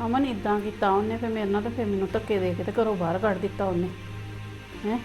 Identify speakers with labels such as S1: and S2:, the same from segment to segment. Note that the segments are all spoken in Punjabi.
S1: ਅਮਨ ਇਦਾਂ ਕੀਤਾ ਉਹਨੇ, ਫਿਰ ਮੇਰੇ ਨਾਲ, ਤੇ ਫਿਰ ਮੈਨੂੰ ਧੱਕੇ ਦੇ ਕੇ ਤੇ ਘਰੋਂ ਬਾਹਰ ਕੱਢ ਦਿੱਤਾ ਉਹਨੇ ਹੈ।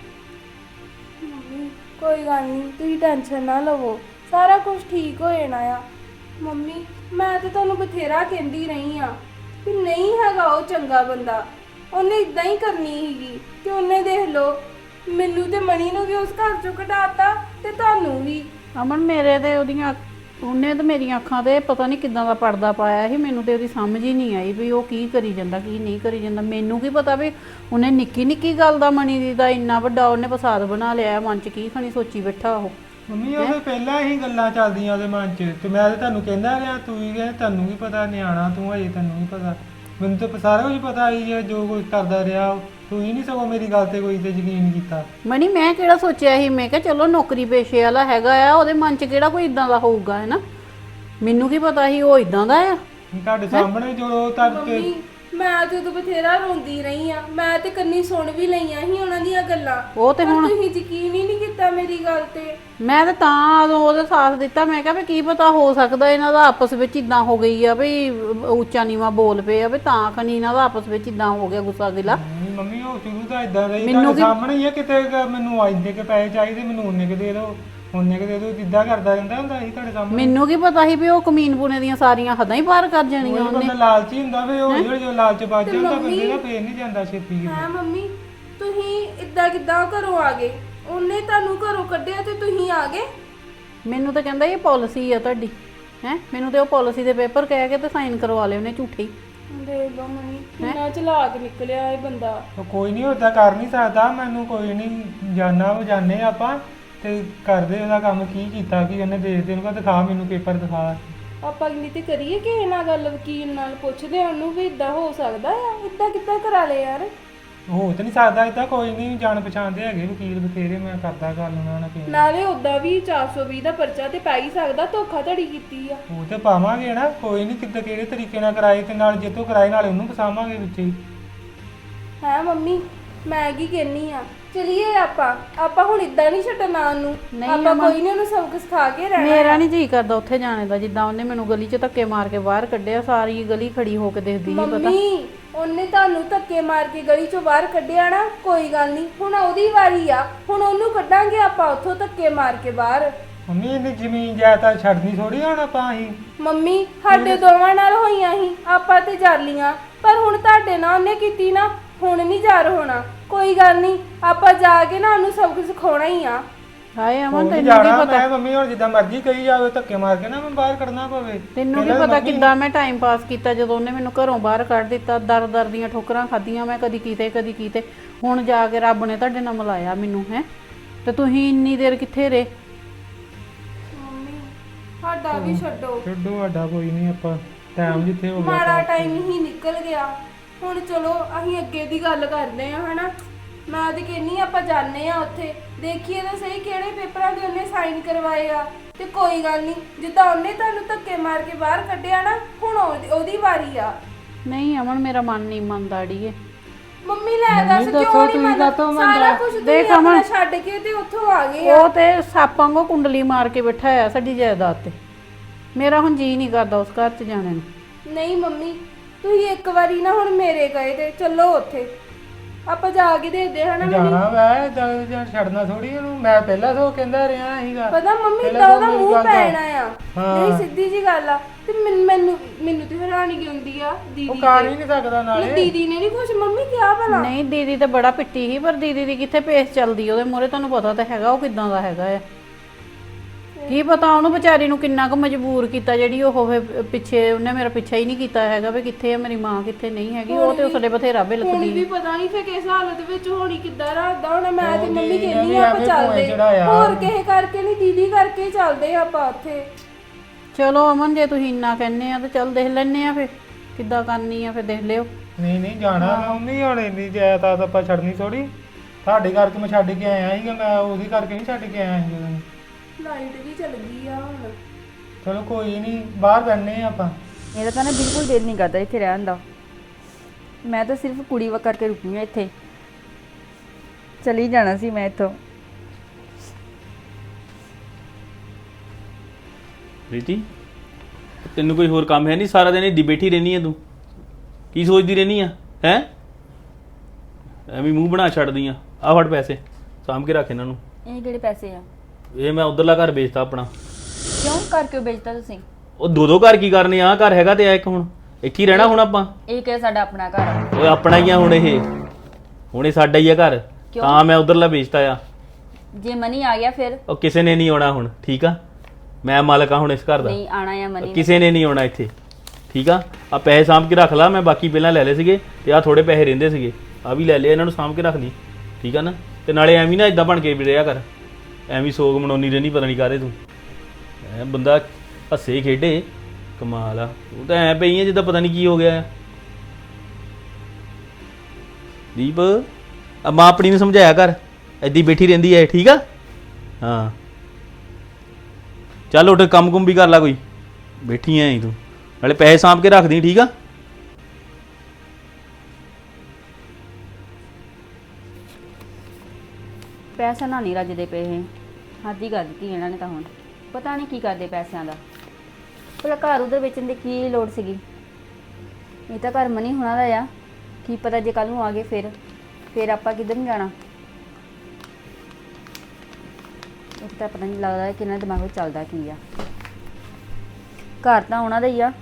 S2: ਮੰਮੀ ਕੋਈ ਗੱਲ ਨਹੀਂ, ਤੁਸੀਂ ਟੈਨਸ਼ਨ ਨਾ ਲਵੋ, ਸਾਰਾ ਕੁਝ ਠੀਕ ਹੋ ਜਾਣਾ ਆ। ਮੰਮੀ ਮੈਂ ਤੇ ਤੁਹਾਨੂੰ ਬਥੇਰਾ ਕਹਿੰਦੀ ਰਹੀ ਆ ਕਿ ਨਹੀਂ ਹੈਗਾ ਉਹ ਚੰਗਾ ਬੰਦਾ, ਉਹਨੇ ਇਦਾਂ ਹੀ ਕਰਨੀ ਸੀਗੀ। ਤੇ ਉਹਨੇ ਦੇਖ ਲਓ ਮੈਨੂੰ ਤੇ ਮਣੀ ਨੂੰ ਵੀ ਉਸ ਘਰ ਚੋਂ ਕਢਾਤਾ ਤੇ ਤੁਹਾਨੂੰ ਵੀ।
S1: ਅਮਨ ਮੇਰੇ ਤੇ ਉਹਨੇ ਤੇ ਮੇਰੀਆਂ ਅੱਖਾਂ ਤੇ ਪਤਾ ਨਹੀਂ ਕਿੱਦਾਂ ਦਾ ਪਰਦਾ ਪਾਇਆ ਸੀ। ਮੈਨੂੰ ਤੇ ਉਹਦੀ ਸਮਝ ਹੀ ਨਹੀਂ ਆਈ ਵੀ ਉਹ ਕੀ ਕਰੀ ਜਾਂਦਾ ਕੀ ਨਹੀਂ ਕਰੀ ਜਾਂਦਾ। ਮੈਨੂੰ ਕੀ ਪਤਾ ਵੀ ਉਹਨੇ ਨਿੱਕੀ ਨਿੱਕੀ ਗੱਲ ਦਾ ਮਣੀ ਦੀ ਦਾ ਇੰਨਾ ਵੱਡਾ ਉਹਨੇ ਫਸਾਦ ਬਣਾ ਲਿਆ ਮਨ 'ਚ, ਕੀ ਖਣੀ ਸੋਚੀ ਬੈਠਾ ਉਹ।
S3: ਮੰਮੀ ਉਹਦੇ ਪਹਿਲਾਂ ਹੀ ਗੱਲਾਂ ਚੱਲਦੀਆਂ ਉਹਦੇ ਮਨ 'ਚ, ਤੇ ਮੈਂ ਤੇ ਤੁਹਾਨੂੰ ਕਹਿੰਦਾ ਰਿਹਾ, ਤੂੰ ਹੀ ਕਹਿੰਦਾ ਤੁਹਾਨੂੰ ਕੀ ਪਤਾ, ਨਿਆਣਾ ਤੂੰ ਹਜੇ, ਤੈਨੂੰ ਨਹੀਂ ਪਤਾ। ਮੈਨੂੰ ਤਾਂ ਸਾਰਾ ਕੁਝ ਪਤਾ ਹੀ ਹੈ ਜੋ ਕੁਝ ਕਰਦਾ ਰਿਹਾ। ਤੂੰ ਹੀ ਨਹੀਂ ਸਗੋਂ ਮੇਰੀ ਗੱਲ ਤੇ ਕੋਈ ਤੇ ਯਕੀਨ ਕੀਤਾ।
S1: ਮਣੀ ਮੈਂ ਕਿਹੜਾ ਸੋਚਿਆ ਸੀ, ਮੈਂ ਕਿਹਾ ਚਲੋ ਨੌਕਰੀ ਪੇਸ਼ੇ ਵਾਲਾ ਹੈਗਾ ਆ, ਉਹਦੇ ਮਨ 'ਚ ਕਿਹੜਾ ਕੋਈ ਇਦਾਂ ਦਾ ਹੋਊਗਾ ਹੈ ਨਾ। ਮੈਨੂੰ ਕੀ ਪਤਾ ਸੀ ਉਹ ਇਦਾਂ ਦਾ ਆ।
S3: ਤੁਹਾਡੇ ਸਾਹਮਣੇ ਜੋ ਤੁਹਾਡੇ
S2: ਮੰਮੀ ਮੈਂ ਤੇ ਉਦੋਂ ਬਥੇਰਾ ਰੋਂਦੀ ਰਹੀ ਆ, ਮੈਂ ਤੇ ਕੰਨੀ ਸੁਣ ਵੀ ਲਈਆਂ ਸੀ ਉਹਨਾਂ ਦੀਆਂ ਗੱਲਾਂ।
S1: ਉਹ ਤੇ ਹੁਣ
S2: ਤੁਸੀਂ ਯਕੀਨ ਹੀ ਨਹੀਂ ਕੀਤਾ ਮੇਰੀ ਗੱਲ ਤੇ।
S1: ਮੈਂ ਤਾਂ ਉਦੋਂ ਉਹਦਾ ਸਾਥ ਦਿੱਤਾ। ਮੈਂ ਕਿਹਾ ਵੀ ਕੀ ਪਤਾ ਹੋ ਸਕਦਾ ਇਹਨਾਂ ਦਾ ਆਪਸ ਵਿੱਚ ਇਦਾਂ ਹੋ ਗਈ ਆ ਵੀ ਉੱਚਾ ਨੀਵਾਂ ਬੋਲ ਪਏ ਆ, ਵੀ ਤਾਂ ਖਣੀ ਇਹਨਾਂ ਦਾ ਆਪਸ ਵਿੱਚ ਇਦਾਂ ਹੋ ਗਿਆ ਗੁੱਸਾ ਗਿਲਾ।
S3: ਮੰਮੀ ਉਹ ਸ਼ੁਰੂ ਤਾਂ ਇਦਾਂ ਦਾ ਹੀ ਤੁਹਾਡੇ ਸਾਹਮਣੇ ਹੀ ਆ। ਕਿਤੇ ਮੈਨੂੰ ਆਇੰਦੇ ਕੇ ਪੈਸੇ ਚਾਹੀਦੇ, ਮੈਨੂੰ ਉਹਨੇ ਕੇ ਦੇ ਦਿਓ, ਉਹਨੇ ਕੇ ਦੇ ਦਿਓ, ਜਿੱਦਾਂ ਕਰਦਾ ਰਹਿੰਦਾ ਹੁੰਦਾ ਸੀ ਤੁਹਾਡੇ ਸਾਹਮਣੇ।
S1: ਮੈਨੂੰ ਕੀ ਪਤਾ ਸੀ ਵੀ ਉਹ ਕਮੀਨਪੁਣੇ ਦੀਆਂ ਸਾਰੀਆਂ ਹੱਦਾਂ ਹੀ ਪਾਰ ਕਰ ਜਾਣੀਆਂ
S3: ਉਹ
S1: ਉਹਨੇ।
S3: ਬੰਦਾ ਲਾਲਚੀ ਹੁੰਦਾ, ਵੀ ਹੌਲੀ ਹੌਲੀ ਜੋ ਲਾਲਚ ਵੱਜ ਜਾਂਦਾ ਬੰਦੇ ਦਾ ਫੇਰ ਨਹੀਂ ਜਾਂਦਾ ਛੇਤੀ ਕਿਤੇ।
S2: ਹਾਂ ਮੰਮੀ ਤੁਸੀਂ ਇੱਦਾਂ ਕਿੱਦਾਂ ਘਰੋਂ ਆ ਗਏ? ਉਹਨੇ ਤੁਹਾਨੂੰ ਘਰੋਂ ਕੱਢਿਆ ਤੇ ਤੁਸੀਂ ਆ ਗਏ?
S1: ਮੈਨੂੰ ਤਾਂ ਕਹਿੰਦਾ ਇਹ ਪਾਲਿਸੀ ਆ ਤੁਹਾਡੀ ਹੈ। ਮੈਨੂੰ ਤੇ ਉਹ ਪਾਲਿਸੀ ਦੇ ਪੇਪਰ ਕਹਿ ਕੇ ਤੇ ਸਾਈਨ ਕਰਵਾ ਲਏ ਉਹਨੇ ਝੂਠੇ।
S2: ਦੇਖ ਲਓ ਮੰਮੀ ਕਿੰਨਾ ਚਲਾਕ ਨਿਕਲਿਆ ਇਹ ਬੰਦਾ।
S3: ਉਹ ਕੋਈ ਨਹੀਂ ਓਦਾਂ ਕਰ ਨਹੀਂ ਸਕਦਾ, ਮੈਨੂੰ ਕੋਈ ਨਹੀਂ ਜਾਣੇ ਆਪਾਂ ਤੇ ਕਰਦੇ ਉਹਦਾ ਕੰਮ ਕੀ ਕੀਤਾ ਕੀ ਉਹਨੇ ਦੇਖਦੇ ਉਹਨੂੰ ਕਹ ਦਿਖਾ ਮੈਨੂੰ ਪੇਪਰ ਦਿਖਾ।
S2: ਆਪਾਂ ਅਗਲੀ ਤੇ ਕਰੀਏ ਕਿਸੇ ਨਾਲ ਗੱਲ, ਵਕੀਲ ਨਾਲ ਪੁੱਛਦੇ ਆ ਉਹਨੂੰ ਵੀ ਇਦਾਂ ਹੋ ਸਕਦਾ ਆ, ਇਦਾਂ ਕਿੱਦਾਂ ਕਰਾ ਲਏ ਯਾਰ।
S3: ਹੋ ਤਾਂ ਨਹੀਂ ਸਕਦਾ ਇਦਾਂ, ਕੋਈ ਨਹੀਂ ਜਾਣ ਪਛਾਣਦੇ ਹੈਗੇ ਵਕੀਲ ਬਥੇਰੇ, ਮੈਂ ਕਰਦਾ ਗੱਲ ਉਹਨਾਂ ਨਾਲ ਕਿਸੇ ਨਾਲ।
S2: ਨਾਲੇ ਉਦਾਂ ਵੀ 420 ਦਾ ਪਰਚਾ ਤੇ ਪੈ ਹੀ ਸਕਦਾ, ਧੋਖਾਧੜੀ ਕੀਤੀ ਆ।
S3: ਉਹ ਤੇ ਪਾਵਾਂਗੇ ਨਾ, ਕੋਈ ਨਹੀਂ ਕਿੱਦਾਂ ਕਿਹੜੇ ਤਰੀਕੇ ਨਾਲ ਕਰਾਏ, ਤੇ ਨਾਲ ਜਿੱਤੋਂ ਕਰਾਏ ਨਾਲੇ ਉਹਨੂੰ ਫਸਾਵਾਂਗੇ ਵਿੱਚ ਹੀ।
S2: ਹੈ ਮੰਮੀ ਮੈਂ ਕੀ ਕਹਿੰਨੀ ਆ, ਚਲਿਏ ਆਪਾਂ ਹੁਣ ਇਦਾਂ ਨਹੀਂ ਛੱਡਣਾ ਉਹਨੂੰ। ਆਪਾਂ ਕੋਈ ਨਹੀਂ ਉਹਨੂੰ ਸਬਕ ਸਿਖਾ ਕੇ ਰਹਿਣਾ।
S1: ਮੇਰਾ ਨਹੀਂ ਜੀ ਕਰਦਾ ਉੱਥੇ ਜਾਣੇ ਦਾ, ਜਿੱਦਾਂ ਉਹਨੇ ਮੈਨੂੰ ਗਲੀ 'ਚ ਧੱਕੇ ਮਾਰ ਕੇ ਬਾਹਰ ਕੱਢਿਆ। ਸਾਰੀ ਗਲੀ ਖੜੀ ਹੋ ਕੇ ਦੇਖਦੀ ਸੀ। ਪਤਾ
S2: ਮੰਮੀ ਉਹਨੇ ਤੁਹਾਨੂੰ ਧੱਕੇ ਮਾਰ ਕੇ ਗਲੀ ਚੋਂ ਬਾਹਰ ਕੱਢਿਆ ਨਾ, ਕੋਈ ਗੱਲ ਨਹੀਂ, ਹੁਣ ਉਹਦੀ ਵਾਰੀ ਆ, ਹੁਣ ਉਹਨੂੰ ਕੱਢਾਂਗੇ ਆਪਾਂ ਉੱਥੋਂ ਧੱਕੇ ਮਾਰ ਕੇ ਬਾਹਰ।
S3: ਮੰਮੀ ਇਹਨੇ ਜ਼ਮੀਨ ਜਾਇਦਾਦ ਛੱਡਣੀ ਥੋੜੀ ਹੁਣ ਆਪਾਂ ਹੀ।
S2: ਮੰਮੀ ਸਾਡੇ ਦੋਵਾਂ ਨਾਲ ਹੋਈਆਂ ਸੀ, ਆਪਾਂ ਤੇ ਜਰ ਲੀਆਂ, ਪਰ ਹੁਣ ਤੁਹਾਡੇ ਨਾਲ ਉਹਨੇ ਕੀਤੀ ਨਾ, ਹੁਣ ਨਹੀਂ ਜਰ ਹੋਣਾ। ਕੋਈ ਗੱਲ ਨਹੀਂ, ਆਪਾਂ ਜਾ ਕੇ ਨਾ ਉਹਨੂੰ ਸਬਕ ਸਿਖਾਉਣਾ ਹੀ ਆ।
S1: ਹਾਏ ਅਮਨ ਤੈਨੂੰ
S3: ਜਾਣਾ
S1: ਕੀ ਪਤਾ,
S3: ਮੈਂ ਮੰਮੀ ਹੁਣ ਜਿੱਦਾਂ ਮਰਜ਼ੀ ਕਹੀ ਜਾਵੇ, ਧੱਕੇ ਮਾਰ ਕੇ ਨਾ ਮੈਂ ਬਾਹਰ ਕੱਢਣਾ ਪਵੇ।
S1: ਤੈਨੂੰ ਕੀ ਪਤਾ ਕਿੱਦਾਂ ਮੈਂ ਟਾਈਮ ਪਾਸ ਕੀਤਾ ਜਦੋਂ ਉਹਨੇ ਮੈਨੂੰ ਘਰੋਂ ਬਾਹਰ ਕੱਢ ਦਿੱਤਾ। ਦਰ ਦੀਆਂ ਠੋਕਰਾਂ ਖਾਧੀਆਂ ਮੈਂ, ਕਦੀ ਕੀਤੇ। ਹੁਣ ਜਾ ਕੇ ਰੱਬ ਨੇ ਤੁਹਾਡੇ ਨਾਲ ਮਿਲਾਇਆ ਮੈਨੂੰ ਹੈ, ਤੇ ਤੁਸੀਂ ਇੰਨੀ ਦੇਰ ਕਿੱਥੇ ਰਹੇ?
S2: ਮੰਮੀ ਸਾਡਾ ਵੀ ਛੱਡੋ
S3: ਸਾਡਾ ਕੋਈ ਨਹੀਂ, ਆਪਾਂ ਟਾਈਮ ਜਿੱਥੇ ਹੋ ਗਿਆ
S2: ਮਾੜਾ ਟਾਈਮ ਹੀ ਨਿਕਲ ਗਿਆ। ਹੁਣ ਚਲੋ ਅਸੀਂ ਅੱਗੇ ਦੀ ਗੱਲ ਕਰਦੇ ਆ ਹਨਾ। ਮੈਂ ਤੇ ਕਹਿੰਨੀ ਆਪਾਂ ਜਾਣੇ ਆ ਉੱਥੇ, ਦੇਖੀਏ ਤਾਂ ਸਹੀ ਕਿਹੜੇ ਪੇਪਰਾਂ ਦੇ ਉਹਨੇ ਸਾਈਨ ਕਰਵਾਏ ਆ। ਤੇ ਕੋਈ ਗੱਲ ਨਹੀਂ, ਜਿੱਦਾਂ ਉਹਨੇ ਤੁਹਾਨੂੰ ਧੱਕੇ ਮਾਰ ਕੇ ਬਾਹਰ ਕੱਢਿਆ ਨਾ, ਹੁਣ ਉਹਦੀ ਵਾਰੀ ਆ।
S1: ਨਹੀਂ ਅਮਨ ਮੇਰਾ ਮਨ ਨਹੀਂ ਮੰਨਦਾ ਅੜੀਏ।
S2: ਮੰਮੀ ਲੈ ਦੱਸ ਕਿਉਂ ਨਹੀਂ ਮੰਨਦਾ? ਸਾਰਾ ਕੁਝ ਦੇਖ ਅਮਨ ਛੱਡ ਕੇ ਤੇ ਉੱਥੋਂ ਆ ਗਏ ਆ।
S1: ਉਹ ਤੇ ਸਾਪਾਂ ਵਾਂਗੂ ਕੁੰਡਲੀ ਮਾਰ ਕੇ ਬੈਠਾ ਆ ਸਾਡੀ ਜਾਇਦਾਦ ਤੇ। ਮੇਰਾ ਹੁਣ ਜੀ ਨਹੀਂ ਕਰਦਾ ਉਸ ਘਰ 'ਚ ਜਾਣੇ ਨੂੰ।
S2: ਨਹੀਂ ਮੰਮੀ ਤੁਸੀਂ ਇੱਕ ਵਾਰੀ ਨਾ ਹੁਣ ਮੇਰੇ ਗਏ ਤੇ ਚੱਲੋ ਉੱਥੇ, ਆਪਾਂ ਜਾ ਕੇ ਦੇਖਦੇ ਹਨਾ।
S3: ਜਾਣਾ ਵੈ ਜਾਂ ਛੱਡਣਾ ਥੋੜੀ ਉਹਨੂੰ, ਮੈਂ ਪਹਿਲਾਂ ਤੋਂ ਕਹਿੰਦਾ ਰਿਹਾ ਸੀਗਾ।
S2: ਪਤਾ ਮੰਮੀ ਤਾਂ ਉਹਦਾ ਮੂੰਹ ਪੈਣਾ ਆ, ਨਹੀਂ ਸਿੱਧੀ ਜੀ ਗੱਲ ਆ। ਤੇ ਮੈਨੂੰ ਤੇ ਹੈਰਾਨੀ ਹੁੰਦੀ ਆ, ਦੀਦੀ
S3: ਉਹ ਕਰ ਹੀ ਨਹੀਂ ਸਕਦਾ ਨਾਲੇ।
S2: ਦੀਦੀ ਨੇ ਨਹੀਂ ਕੁਛ ਮੰਮੀ ਕਿਹਾ ਭਲਾ?
S1: ਨਹੀਂ ਦੀਦੀ ਤੇ ਬੜਾ ਪਿੱਟੀ ਸੀ, ਪਰ ਦੀਦੀ ਦੀ ਕਿੱਥੇ ਪੇਸ ਚੱਲਦੀ ਉਹਦੇ ਮੂਹਰੇ। ਤੁਹਾਨੂੰ ਪਤਾ ਤਾਂ ਹੈਗਾ ਉਹ ਕਿਦਾਂ ਦਾ ਹੈਗਾ ਆ। ਕੀ ਪਤਾ ਉਹਨੂੰ ਵਿਚਾਰੀ ਨੂੰ ਕਿੰਨਾ ਕੁ ਮਜਬੂਰ ਕੀਤਾ, ਜਿਹੜੀ ਉਹ ਪਿੱਛੇ ਉਹਨੇ ਮੇਰਾ ਪਿੱਛਾ ਹੀ ਨਹੀਂ ਕੀਤਾ ਹੈਗਾ ਵੀ ਕਿੱਥੇ ਹੈ ਮੇਰੀ ਮਾਂ, ਕਿੱਥੇ ਨਹੀਂ ਹੈਗੀ। ਉਹ ਤੇ ਉਸਦੇ ਬਥੇਰਾ ਬਿਲਕਦੀ।
S2: ਹੁਣ ਵੀ ਪਤਾ ਨਹੀਂ ਫੇ ਕਿਸ ਹਾਲਤ ਵਿੱਚ ਹੋਣੀ, ਕਿੱਦਾਂ ਰੱਖਦਾ ਹੋਣਾ। ਮੈਂ ਤੇ ਮੰਮੀ ਕਹਿੰਦੀ ਆ ਆਪਾਂ ਚੱਲਦੇ, ਹੋਰ ਕਿਸੇ ਕਰਕੇ ਨਹੀਂ, ਦੀਦੀ ਕਰਕੇ ਚੱਲਦੇ ਆਪਾਂ ਉੱਥੇ।
S1: ਚਲੋ ਅਮਨ ਜੇ ਤੁਸੀਂ ਇੰਨਾ ਕਹਿੰਦੇ ਆ ਤਾਂ ਚੱਲ ਦੇਖ ਲੈਣੇ ਆ ਫਿਰ ਕਿੱਦਾਂ ਕਰਨੀ ਆ, ਫਿਰ ਦੇਖ ਲਿਓ।
S3: ਨਹੀਂ ਜਾਣਾ ਮੰਮੀ, ਹੁਣ ਇੰਨੀ ਜਾਇਦਾਦ ਆਪਾਂ ਛੱਡਣੀ ਥੋੜੀ। ਤੁਹਾਡੇ ਕਰਕੇ ਮੈਂ ਛੱਡ ਕੇ ਆਇਆ ਸੀਗਾ, ਮੈਂ ਉਹਦੀ ਕਰਕੇ ਨਹੀਂ ਛੱਡ ਕੇ ਆਇਆ ਸੀ।
S2: ਲਾਈਟ ਵੀ ਚੱਲ ਗਈ ਆ ਹੁਣ।
S3: ਚਲੋ ਕੋਈ ਨਹੀਂ, ਬਾਹਰ ਬੈਠਨੇ ਆ ਆਪਾਂ।
S4: ਮੇਰਾ ਤਾਂ ਨਾ ਬਿਲਕੁਲ ਦਿਲ ਨਹੀਂ ਕਰਦਾ ਇੱਥੇ ਰਹਿਣ ਦਾ। ਮੈਂ ਤਾਂ ਸਿਰਫ ਕੁੜੀ ਵਾ ਕਰਕੇ ਰੁਕੀ ਹਾਂ ਇੱਥੇ, ਚਲੀ ਜਾਣਾ ਸੀ ਮੈਂ ਇੱਥੋਂ।
S5: ਪ੍ਰੀਤੀ ਤੈਨੂੰ ਕੋਈ ਹੋਰ ਕੰਮ ਹੈ ਨਹੀਂ? ਸਾਰਾ ਦਿਨ ਇੱਦੀ ਬੈਠੀ ਰਹਿੰਦੀ ਹੈ ਤੂੰ? ਕੀ ਸੋਚਦੀ ਰਹਿਨੀ ਆ ਹੈ? ਐਵੇਂ ਮੂੰਹ ਬਣਾ ਛੱਡਦੀ ਆ। ਆ ਫੜ ਪੈਸੇ, ਸਾਂਭ ਕੇ ਰੱਖ ਇਹਨਾਂ ਨੂੰ।
S4: ਇਹ ਕਿਹੜੇ ਪੈਸੇ ਆ?
S5: ਇਹ ਮੈਂ ਉਧਰਲਾ ਘਰ ਵੇਚਤਾ ਆਪਣਾ।
S4: ਕਿਉਂ ਘਰ ਕਿਉਂ ਵੇਚਤਾ ਤੁਸੀਂ?
S5: ਉਹ ਦੋ ਘਰ ਕੀ ਕਰਨੇ ਆ? ਘਰ ਹੈਗਾ ਤੇ ਆ ਇੱਕ, ਹੁਣ ਇੱਥੇ ਹੀ ਰਹਿਣਾ ਹੁਣ ਆਪਾਂ।
S4: ਇਹ ਕਿ ਸਾਡਾ ਆਪਣਾ ਘਰ ਆ।
S5: ਓਏ ਆਪਣਾ ਹੀ ਆ ਹੁਣ ਇਹ ਸਾਡਾ ਹੀ ਆ ਘਰ।
S4: ਕਿਉਂ?
S5: ਤਾਂ ਮੈਂ ਉਧਰਲਾ ਵੇਚਤਾ ਆ।
S4: ਜੇ ਮਨੀ ਆ ਗਿਆ ਫਿਰ?
S5: ਉਹ ਕਿਸੇ ਨੇ ਨਹੀਂ ਆਉਣਾ ਹੁਣ, ਠੀਕ ਆ? ਮੈਂ ਮਾਲਕ ਆ ਹੁਣ ਇਸ ਘਰ ਦਾ।
S4: ਨਹੀਂ ਆਣਾ ਆ ਮਨੀ ਨੇ।
S5: ਕਿਸੇ ਨੇ ਨਹੀਂ ਆਉਣਾ ਇੱਥੇ, ਠੀਕ ਆ? ਆ ਪੈਸੇ ਸਾਂਭ ਕੇ ਰੱਖ ਲਾ। ਮੈਂ ਬਾਕੀ ਪਹਿਲਾਂ ਲੈ ਲਏ ਸੀਗੇ ਤੇ ਆ ਥੋੜੇ ਪੈਸੇ ਰਹਿੰਦੇ ਸੀਗੇ, ਆ ਵੀ ਲੈ ਲਏ। ਇਹਨਾਂ ਨੂੰ ਸਾਂਭ ਕੇ ਰੱਖ ਲਈ, ਠੀਕ ਆ ਨਾ? ਤੇ ਨਾਲੇ ਐਵੇਂ ਨਾ ਇਦਾਂ ਬਣ ਕੇ ਵੀ ਰਿਹਾ ਕਰ, ਐਵੇਂ ਸੋਗ ਮਨਾਉਣੀ ਰਹਿਣੀ ਪਤਾ ਨਹੀਂ ਕਾਹਦੇ ਤੂੰ। ਐ ਬੰਦਾ ਹੱਸੇ ਖੇਡੇ, ਕਮਾਲ ਆ। ਉਹ ਤਾਂ ਐ ਪਈ ਆ ਜਿੱਦਾਂ ਪਤਾ ਨਹੀਂ ਕੀ ਹੋ ਗਿਆ। ਦੀਪ, ਆ ਮਾਂ ਆਪਣੀ ਨੂੰ ਸਮਝਾਇਆ ਕਰ, ਏਦੀ ਬੈਠੀ ਰਹਿੰਦੀ ਐ, ਠੀਕ ਆ? ਹਾਂ ਚੱਲ ਉੱਠ, ਕੰਮ ਕੁੰਮ ਵੀ ਕਰ ਲੈ ਕੋਈ, ਬੈਠੀ ਐ ਤੂੰ। ਨਾਲੇ ਪੈਸੇ ਸਾਂਭ ਕੇ ਰੱਖਦੀ, ਠੀਕ ਆ?
S4: ਪੈਸਾ ਨਾ ਨਹੀਂ ਰੱਜਦੇ ਪਏ ਇਹ। ਹੱਦ ਹੀ ਕਰ ਦਿੱਤੀ ਇਹਨਾਂ ਨੇ ਤਾਂ ਹੁਣ। ਪਤਾ ਨਹੀਂ ਕੀ ਕਰਦੇ ਪੈਸਿਆਂ ਦਾ। ਭਲਾ ਘਰ ਉਧਰ ਵੇਚਣ ਦੀ ਕੀ ਲੋੜ ਸੀਗੀ? ਇਹ ਤਾਂ ਘਰ ਮਨੀ ਹੋਣਾ ਦਾ ਆ। ਕੀ ਪਤਾ ਜੇ ਕੱਲ ਨੂੰ ਆ ਗਏ ਫਿਰ ਆਪਾਂ ਕਿੱਧਰ ਨੂੰ ਜਾਣਾ? ਇੱਕ ਤਾਂ ਪਤਾ ਨਹੀਂ ਲੱਗਦਾ ਕਿ ਇਹਨਾਂ ਦੇ ਦਿਮਾਗ ਵਿੱਚ ਚੱਲਦਾ ਕੀ ਆ। ਘਰ ਤਾਂ ਉਹਨਾਂ ਦਾ ਹੀ ਆ।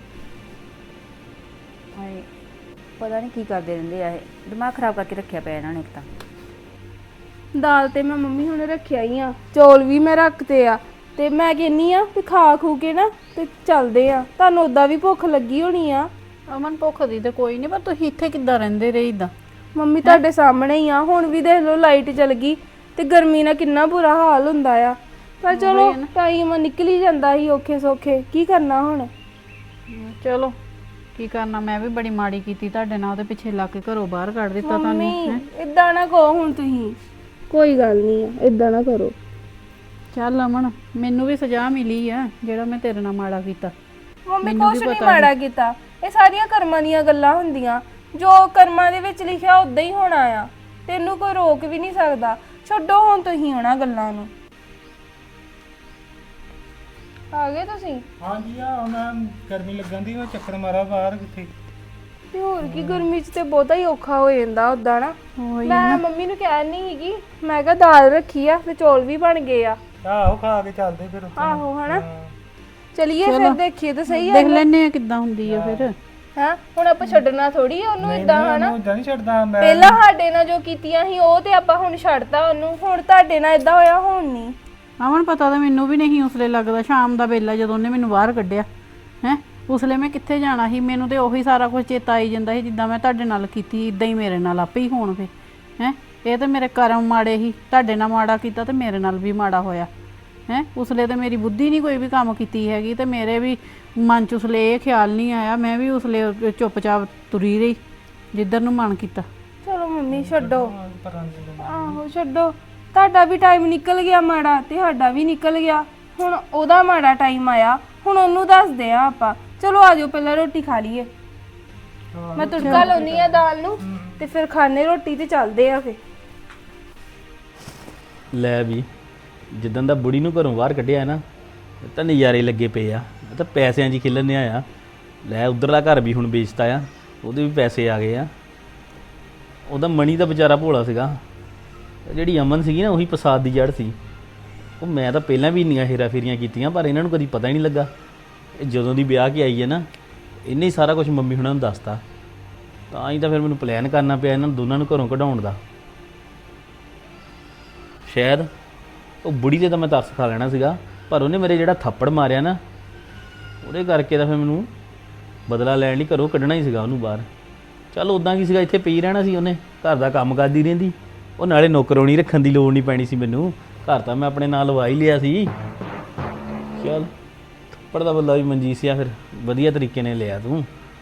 S4: ਹਾਏ ਪਤਾ ਨਹੀਂ ਕੀ ਕਰਦੇ ਰਹਿੰਦੇ ਆ ਇਹ। ਦਿਮਾਗ ਖਰਾਬ ਕਰਕੇ ਰੱਖਿਆ ਪਿਆ ਇਹਨਾਂ ਨੇ ਇੱਕ ਤਾਂ।
S2: ਦਾਲ ਤੇ ਮੈਂ ਮੰਮੀ ਹੁਣ ਰੱਖਿਆ ਹੀ ਆ, ਚੌਲ ਵੀ ਮੈਂ ਰੱਖਤੇ ਆ, ਤੇ ਮੈਂ ਕਹਿੰਨੀ ਆ ਵੀ ਖਾ ਖੂ ਕੇ ਨਾ ਤੇ ਚੱਲਦੇ ਆ। ਤੁਹਾਨੂੰ ਉਦਾਂ ਵੀ ਭੁੱਖ ਲੱਗੀ ਹੋਣੀ ਆ।
S1: ਅਮਨ ਭੁੱਖ ਦੀ ਤੇ ਕੋਈ ਨਹੀਂ, ਪਰ ਤੁਸੀਂ ਇੱਥੇ ਕਿੱਦਾਂ ਰਹਿੰਦੇ ਰਹੇ ਇਦਾਂ?
S2: ਮੰਮੀ ਤੁਹਾਡੇ ਸਾਹਮਣੇ ਹੀ ਆ, ਹੁਣ ਵੀ ਦੇਖ ਲਓ ਲਾਈਟ ਚਲ ਗਈ ਤੇ ਗਰਮੀ ਨਾਲ ਕਿੰਨਾ ਬੁਰਾ ਹਾਲ ਹੁੰਦਾ ਆ। ਪਰ ਚਲੋ ਟਾਈਮ ਨਿਕਲ ਹੀ ਜਾਂਦਾ ਸੀ ਔਖੇ ਸੌਖੇ, ਕੀ ਕਰਨਾ ਹੁਣ।
S1: ਚਲੋ ਕੀ ਕਰਨਾ, ਮੈਂ ਵੀ ਬੜੀ ਮਾੜੀ ਕੀਤੀ ਤੁਹਾਡੇ ਨਾਲ, ਉਹਦੇ ਪਿੱਛੇ ਲੱਗ ਕੇ ਘਰੋਂ ਬਾਹਰ ਕੱਢ ਦਿੱਤਾ ਤੁਹਾਨੂੰ।
S2: ਮੰਮੀ ਇਦਾਂ ਨਾ ਕਹੋ ਹੁਣ ਤੁਸੀਂ, ਕੋਈ ਗੱਲ ਨਹੀਂ ਆ, ਇਦਾਂ ਨਾ ਕਰੋ।
S1: ਚੱਲ ਅਮਨ, ਮੈਨੂੰ ਵੀ ਸਜ਼ਾ ਮਿਲੀ ਆ ਜਿਹੜਾ ਮੈਂ ਤੇਰੇ ਨਾਲ ਮਾੜਾ ਕੀਤਾ।
S2: ਮੰਮੀ ਕੁਛ ਨਹੀਂ ਮਾੜਾ ਕੀਤਾ, ਇਹ ਸਾਰੀਆਂ ਕਰਮਾਂ ਦੀਆਂ ਗੱਲਾਂ ਹੁੰਦੀਆਂ। ਜੋ ਕਰਮਾਂ ਦੇ ਵਿੱਚ ਲਿਖਿਆ ਉਦਾਂ ਹੀ ਹੋਣਾ ਆ, ਤੈਨੂੰ ਕੋਈ ਰੋਕ ਵੀ ਨਹੀਂ ਸਕਦਾ। ਛੱਡੋ ਹੁਣ ਤੁਸੀਂ ਉਹਨਾਂ ਗੱਲਾਂ ਨੂੰ। ਆ ਗਏ ਤੁਸੀਂ?
S3: ਹਾਂਜੀ ਆ ਮੈਂ ਗਰਮੀ ਲੱਗਣ ਦੀ, ਮੈਂ ਚੱਕਰ ਮਾਰਾ ਬਾਹਰ ਕਿੱਥੇ।
S2: ਤੇ ਹੋਰ ਕੀ, ਗਰਮੀ 'ਚ ਤੇ ਬਹੁਤਾ ਹੀ ਔਖਾ ਹੋ ਜਾਂਦਾ ਉਦਾਂ ਨਾ। ਮੈਂ ਮੰਮੀ ਨੂੰ ਕਹਿ ਨਹੀਂ ਹੈਗੀ, ਮੈਂ ਕਿਹਾ ਦਾਲ ਰੱਖੀ ਆ ਤੇ ਚੌਲ ਵੀ ਬਣ ਗਏ ਆ।
S3: ਆਹੋ ਖਾ ਕੇ ਚੱਲਦੇ ਫਿਰ ਉੱਥੇ।
S2: ਆਹੋ ਹਨਾ, ਚਲਿਏ ਫਿਰ ਦੇਖੀਏ ਤਾਂ ਸਹੀ ਆ।
S1: ਦੇਖ ਲੈਨੇ ਆ ਕਿੱਦਾਂ ਹੁੰਦੀ ਆ ਫਿਰ।
S2: ਹਾਂ ਹੁਣ ਆਪਾਂ ਛੱਡਣਾ ਥੋੜੀ ਆ ਉਹਨੂੰ ਇਦਾਂ ਹਨਾ।
S3: ਉਦਾਂ ਨਹੀਂ ਛੱਡਦਾ ਮੈਂ।
S2: ਪਹਿਲਾਂ ਸਾਡੇ ਨਾਲ ਜੋ ਕੀਤੀਆਂ ਸੀ ਉਹ ਤੇ ਆਪਾਂ ਹੁਣ ਛੱਡਤਾ ਉਹਨੂੰ, ਹੁਣ ਤੁਹਾਡੇ ਨਾਲ ਇਦਾਂ ਹੋਇਆ ਹੁਣ ਨਹੀਂ।
S1: ਅਮਨ ਪਤਾ ਤਾਂ ਮੈਨੂੰ ਵੀ ਨਹੀਂ ਉਸਲੇ ਲੱਗਦਾ, ਸ਼ਾਮ ਦਾ ਵੇਲਾ ਜਦੋਂ ਉਹਨੇ ਮੈਨੂੰ ਬਾਹਰ ਕੱਢਿਆ ਹੈ, ਉਸਲੇ ਮੈਂ ਕਿੱਥੇ ਜਾਣਾ ਸੀ? ਮੈਨੂੰ ਤੇ ਉਹੀ ਸਾਰਾ ਕੁਝ ਚੇਤਾ ਆਈ ਜਾਂਦਾ ਸੀ, ਜਿੱਦਾਂ ਮੈਂ ਤੁਹਾਡੇ ਨਾਲ ਕੀਤੀ ਇਦਾਂ ਹੀ ਮੇਰੇ ਨਾਲ ਆਪੇ ਹੀ ਹੋਣ। ਫਿਰ ਹੈ ਇਹ ਤਾਂ ਮੇਰੇ ਕਰਮ ਮਾੜੇ ਸੀ, ਤੁਹਾਡੇ ਨਾਲ ਮਾੜਾ ਕੀਤਾ ਤੇ ਮੇਰੇ ਨਾਲ ਵੀ ਮਾੜਾ ਹੋਇਆ ਹੈ। ਉਸਲੇ ਤੇ ਮੇਰੀ ਬੁੱਧੀ ਨਹੀਂ ਕੋਈ ਵੀ ਕੰਮ ਕੀਤੀ ਹੈਗੀ, ਤੇ ਮੇਰੇ ਵੀ ਮਨ 'ਚ ਉਸਲੇ ਇਹ ਖਿਆਲ ਨਹੀਂ ਆਇਆ। ਮੈਂ ਵੀ ਉਸਲੇ ਚੁੱਪਚਾਪ ਤੁਰੀ ਰਹੀ ਜਿੱਧਰ ਨੂੰ ਮਨ ਕੀਤਾ।
S2: ਚਲੋ ਮੰਮੀ ਛੱਡੋ, ਆਹੋ ਛੱਡੋ। ਤੁਹਾਡਾ ਵੀ ਟਾਈਮ ਨਿਕਲ ਗਿਆ ਮਾੜਾ ਤੇ ਸਾਡਾ ਵੀ ਨਿਕਲ ਗਿਆ, ਹੁਣ ਉਹਦਾ ਮਾੜਾ ਟਾਈਮ ਆਇਆ, ਹੁਣ ਉਹਨੂੰ ਦੱਸਦੇ ਆ ਆਪਾਂ। ਚਲੋ ਆਜੋ ਪਹਿਲਾਂ ਰੋਟੀ ਖਾ ਲਈਏ। ਮੈਂ ਤੜਕਾ ਲਾਉਣੀ ਆ ਦਾਲ ਨੂੰ ਤੇ ਫਿਰ ਖਾਣੇ ਰੋਟੀ ਤੇ ਚੱਲਦੇ ਆ ਫਿਰ।
S5: ਲੈ ਵੀ, ਜਿੱਦਾਂ ਦਾ ਬੁੜੀ ਨੂੰ ਘਰੋਂ ਬਾਹਰ ਕੱਢਿਆ ਨਾ, ਤਾਂ ਨਜ਼ਾਰੇ ਲੱਗੇ ਪਏ ਆ। ਤਾਂ ਪੈਸਿਆਂ 'ਚ ਹੀ ਖਿਲਣ ਆ। ਲੈ ਉਧਰਲਾ ਘਰ ਵੀ ਹੁਣ ਵੇਚਤਾ ਆ, ਉਹਦੇ ਵੀ ਪੈਸੇ ਆ ਗਏ ਆ। ਉਹਦਾ ਮਣੀ ਦਾ ਵਿਚਾਰਾ ਭੋਲਾ ਸੀਗਾ, ਜਿਹੜੀ ਅਮਨ ਸੀਗੀ ਨਾ ਉਹੀ ਫਸਾਦ ਦੀ ਜੜ ਸੀ। ਉਹ ਮੈਂ ਤਾਂ ਪਹਿਲਾਂ ਵੀ ਇੰਨੀਆਂ ਹੇਰਾ ਫੇਰੀਆਂ ਕੀਤੀਆਂ, ਪਰ ਇਹਨਾਂ ਨੂੰ ਕਦੀ ਪਤਾ ਹੀ ਨਹੀਂ ਲੱਗਾ। ਇਹ ਜਦੋਂ ਦੀ ਵਿਆਹ ਕੇ ਆਈ ਹੈ ਨਾ, ਇਹਨੇ ਹੀ ਸਾਰਾ ਕੁਝ ਮੰਮੀ ਹੁਣਾਂ ਨੂੰ ਦੱਸਤਾ। ਤਾਂ ਹੀ ਤਾਂ ਫਿਰ ਮੈਨੂੰ ਪਲਾਨ ਕਰਨਾ ਪਿਆ ਇਹਨਾਂ ਦੋਨਾਂ ਨੂੰ ਘਰੋਂ ਕਢਾਉਣ ਦਾ। ਸ਼ਾਇਦ ਉਹ ਬੁੜੀ ਤੇ ਤਾਂ ਮੈਂ ਤਰਸ ਖਾ ਲੈਣਾ ਸੀਗਾ, ਪਰ ਉਹਨੇ ਮੇਰੇ ਜਿਹੜਾ ਥੱਪੜ ਮਾਰਿਆ ਨਾ, ਉਹਦੇ ਕਰਕੇ ਤਾਂ ਫਿਰ ਮੈਨੂੰ ਬਦਲਾ ਲੈਣ ਲਈ ਘਰੋਂ ਕੱਢਣਾ ਹੀ ਸੀਗਾ ਉਹਨੂੰ ਬਾਹਰ। ਚੱਲ ਉੱਦਾਂ ਕੀ ਸੀਗਾ, ਇੱਥੇ ਪਈ ਰਹਿਣਾ ਸੀ ਉਹਨੇ, ਘਰ ਦਾ ਕੰਮ ਕਰਦੀ ਰਹਿੰਦੀ। ਉਹ ਨਾਲੇ ਨੌਕਰਾਣੀ ਰੱਖਣ ਦੀ ਲੋੜ ਨਹੀਂ ਪੈਣੀ ਸੀ ਮੈਨੂੰ, ਘਰ ਤਾਂ ਮੈਂ ਆਪਣੇ ਨਾਲ ਲਵਾ ਹੀ ਲਿਆ ਸੀ। ਚੱਲ ਥੱਪੜ ਦਾ ਬਦਲਾ ਵੀ ਮਨਜੀਤ ਆ ਫਿਰ ਵਧੀਆ ਤਰੀਕੇ ਨਾਲ ਲਿਆ ਤੂੰ।